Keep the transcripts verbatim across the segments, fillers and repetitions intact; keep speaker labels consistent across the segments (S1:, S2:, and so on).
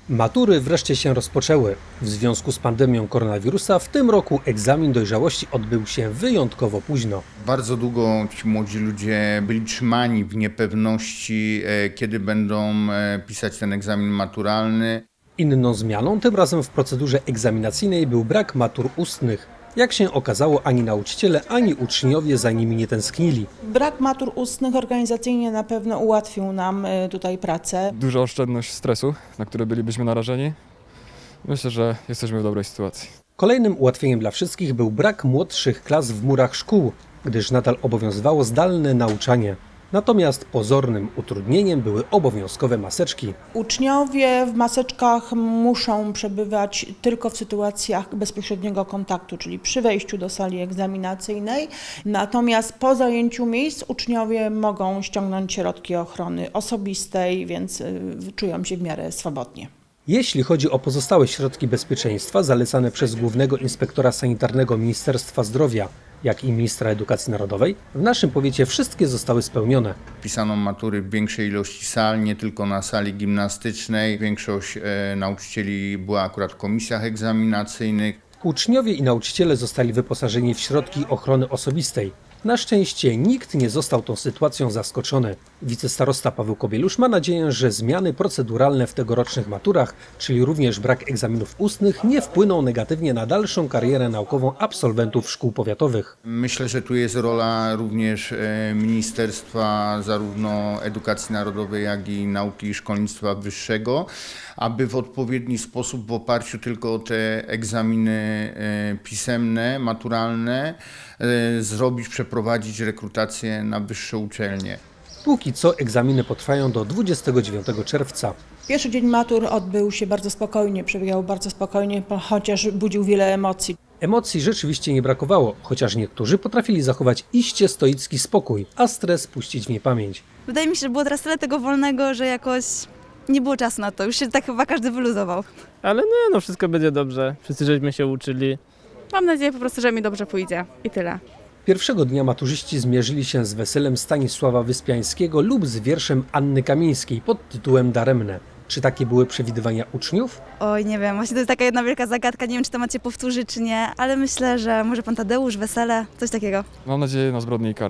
S1: Matury wreszcie się rozpoczęły. W związku z pandemią koronawirusa w tym roku egzamin dojrzałości odbył się wyjątkowo późno.
S2: Bardzo długo ci młodzi ludzie byli trzymani w niepewności, e, kiedy będą e, pisać ten egzamin maturalny.
S1: Inną zmianą tym razem w procedurze egzaminacyjnej był brak matur ustnych. Jak się okazało, ani nauczyciele, ani uczniowie za nimi nie tęsknili.
S3: Brak matur ustnych organizacyjnie na pewno ułatwił nam y, tutaj pracę.
S4: Duża oszczędność stresu, na który bylibyśmy narażeni. Myślę, że jesteśmy w dobrej sytuacji.
S1: Kolejnym ułatwieniem dla wszystkich był brak młodszych klas w murach szkół, gdyż nadal obowiązywało zdalne nauczanie. Natomiast pozornym utrudnieniem były obowiązkowe maseczki.
S3: Uczniowie w maseczkach muszą przebywać tylko w sytuacjach bezpośredniego kontaktu, czyli przy wejściu do sali egzaminacyjnej. Natomiast po zajęciu miejsc uczniowie mogą ściągnąć środki ochrony osobistej, więc y, czują się w miarę swobodnie.
S1: Jeśli chodzi o pozostałe środki bezpieczeństwa zalecane przez Głównego Inspektora Sanitarnego Ministerstwa Zdrowia, jak i Ministra Edukacji Narodowej, w naszym powiecie wszystkie zostały spełnione.
S2: Pisano matury w większej ilości sal, nie tylko na sali gimnastycznej. Większość e, nauczycieli była akurat w komisjach egzaminacyjnych.
S1: Uczniowie i nauczyciele zostali wyposażeni w środki ochrony osobistej. Na szczęście nikt nie został tą sytuacją zaskoczony. Wicestarosta Paweł Kobielusz ma nadzieję, że zmiany proceduralne w tegorocznych maturach, czyli również brak egzaminów ustnych, nie wpłyną negatywnie na dalszą karierę naukową absolwentów szkół powiatowych.
S2: Myślę, że tu jest rola również e, Ministerstwa zarówno Edukacji Narodowej, jak i Nauki i Szkolnictwa Wyższego, aby w odpowiedni sposób, w oparciu tylko o te egzaminy e, pisemne, maturalne, e, zrobić, przeprowadzić rekrutację na wyższe uczelnie.
S1: Póki co egzaminy potrwają do dwudziestego dziewiątego czerwca.
S3: Pierwszy dzień matur odbył się bardzo spokojnie, przebiegał bardzo spokojnie, chociaż budził wiele emocji.
S1: Emocji rzeczywiście nie brakowało, chociaż niektórzy potrafili zachować iście stoicki spokój, a stres puścić w niepamięć.
S5: Wydaje mi się, że było teraz tyle tego wolnego, że jakoś nie było czasu na to. Już się tak chyba każdy wyluzował.
S6: Ale nie, no wszystko będzie dobrze. Wszyscy żeśmy się uczyli.
S7: Mam nadzieję po prostu, że mi dobrze pójdzie i tyle.
S1: Pierwszego dnia maturzyści zmierzyli się z weselem Stanisława Wyspiańskiego lub z wierszem Anny Kamińskiej pod tytułem Daremne. Czy takie były przewidywania uczniów?
S5: Oj, nie wiem, właśnie to jest taka jedna wielka zagadka. Nie wiem, czy to macie powtórzy, czy nie, ale myślę, że może pan Tadeusz, wesele, coś takiego.
S4: Mam nadzieję na zbrodnię i karę,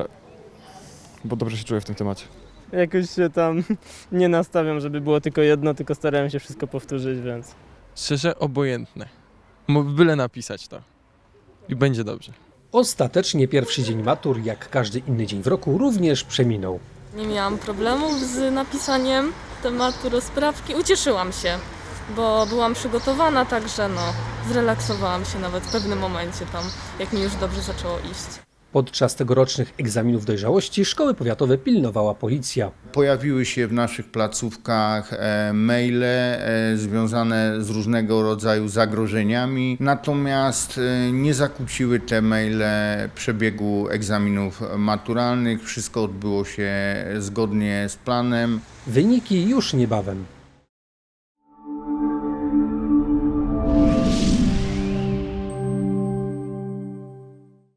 S4: bo dobrze się czuję w tym temacie.
S6: Jakoś się tam nie nastawiam, żeby było tylko jedno, tylko starałem się wszystko powtórzyć, więc...
S8: Szczerze obojętne. Mo- Byle napisać to. I będzie dobrze.
S1: Ostatecznie pierwszy dzień matur, jak każdy inny dzień w roku, również przeminął.
S9: Nie miałam problemów z napisaniem tematu rozprawki. Ucieszyłam się, bo byłam przygotowana, także no, zrelaksowałam się nawet w pewnym momencie tam, jak mi już dobrze zaczęło iść.
S1: Podczas tegorocznych egzaminów dojrzałości szkoły powiatowe pilnowała policja.
S2: Pojawiły się w naszych placówkach e, maile e, związane z różnego rodzaju zagrożeniami, natomiast e, nie zakłóciły te maile przebiegu egzaminów maturalnych. Wszystko odbyło się zgodnie z planem.
S1: Wyniki już niebawem.